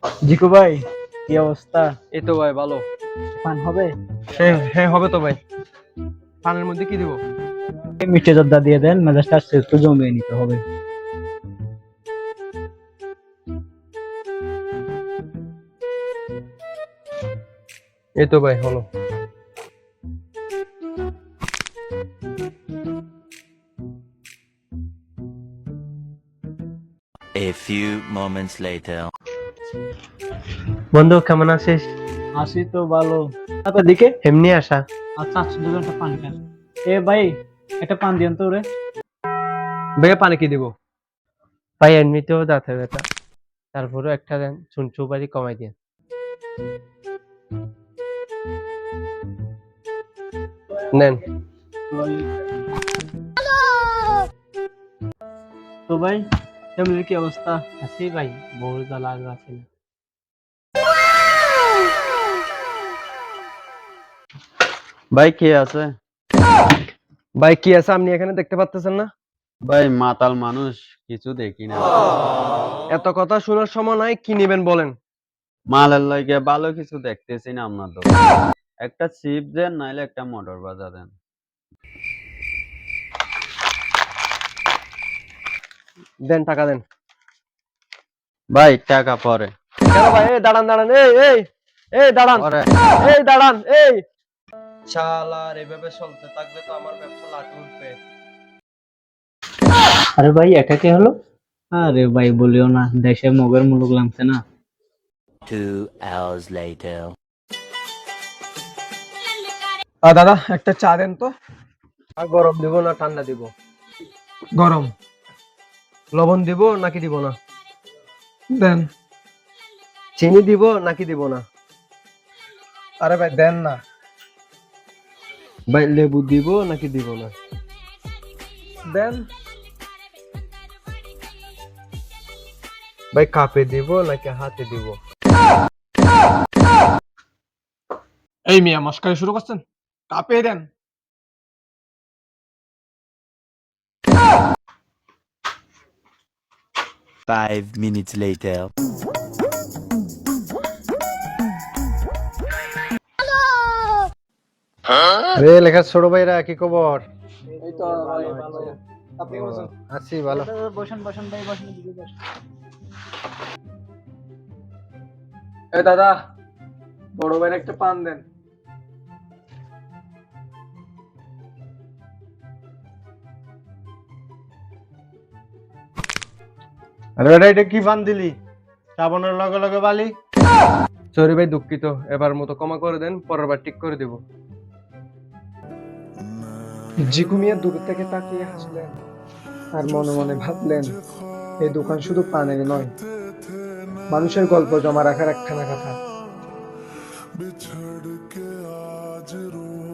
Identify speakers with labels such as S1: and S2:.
S1: জিকু ভাই, কি অবস্থা?
S2: এই তো ভাই ভালো।
S1: পান হবে?
S2: হ্যাঁ হ্যাঁ হবে তো ভাই। পানের মধ্যে কি দিব?
S1: এই মিষ্টি জর্দা দিয়ে দেন, মেজাজটা আজকে একটু জমিয়ে নিতে হবে।
S2: এই তো ভাই হলো।
S3: A few moments later.
S2: বন্ধু কেমন আছিস?
S1: আসি তো ভালো। আপনার দিকে?
S2: এমনি আসা।
S1: আচ্ছা আচ্ছা, দুজন একটা পান খান। এ ভাই, একটা পান দিয়েন তো রে।
S2: ভাইয়া পানি কি দিব? ভাই এমনিতেও দাঁতে ব্যথা, তারপরে একটা দেন, সুপারি কমাই দেন। নেন।
S1: তো ভাই, ফ্যামিলির কি অবস্থা?
S2: আছি ভাই, বহু জ্বালা আর আছে না।
S4: ভাই কে আছে?
S2: ভাই কি আছে আপনি এখানে দেখতে পাচ্ছেন না?
S4: ভাই মাতাল মানুষ, কিছু দেখি না।
S2: এত কথা শোনার সময় নাই, কি নেবেন বলেন?
S4: মালের লাগে ভালো কিছু দেখতেছি না আপনার তো। একটা চিপ দেন, নাইলে একটা মোটর বাজা দেন।
S2: দেন, টাকা দেন।
S4: ভাই টাকা পরে।
S2: কেন ভাই? এই দাঁড়ান দাঁড়ান, এই এই এই দাঁড়ান,
S4: পরে
S2: এই দাঁড়ান, এই শালার এভাবে চলতে থাকলে তো আমার ব্যবসা লাটে উঠবে।
S1: আরে ভাই, এটা কি হলো? আরে ভাই বলিও না, দেশে মগের মুলুক লাগছে না।
S3: 2 hours later.
S2: দাদা একটা চা দেন তো। আর গরম দিব না ঠান্ডা দিব? গরম। লবণ দিব নাকি দিব না? দেন। চিনি দিব নাকি দিব না? আরে ভাই দেন না। ভাই লেবু দিব নাকি দিব না? দেন। ভাই কাপে দিব নাকি হাতে দিব?
S5: এই মিয়া মস্কারি শুরু করছেন, কাঁপিয়ে দেন।
S3: 5 minutes later.
S2: রে লেখা ছোট ভাইরা কি খবর?
S5: এই তো ভাই ভালো। আপনি কেমন আছেন?
S2: আছি ভালো।
S1: বসেন বসেন ভাই, বসেন দিকে বসেন।
S5: এই দাদা, বড় ভাইয়ের একটা পান দেন।
S6: আরে বেটা, এটা কি ফান দিলি? শ্রাবণের লগে লগে বালি।
S2: সরি ভাই, দুঃখিত। এবার মতো ক্ষমা করে দেন, পরের বার ঠিক করে দেব।
S5: জিকু মিয়া দূর থেকে তাকিয়ে হাসলেন আর মনে মনে ভাবলেন, এই দোকান শুধু পানের নয়, মানুষের গল্প জমা রাখার একখানা কথা।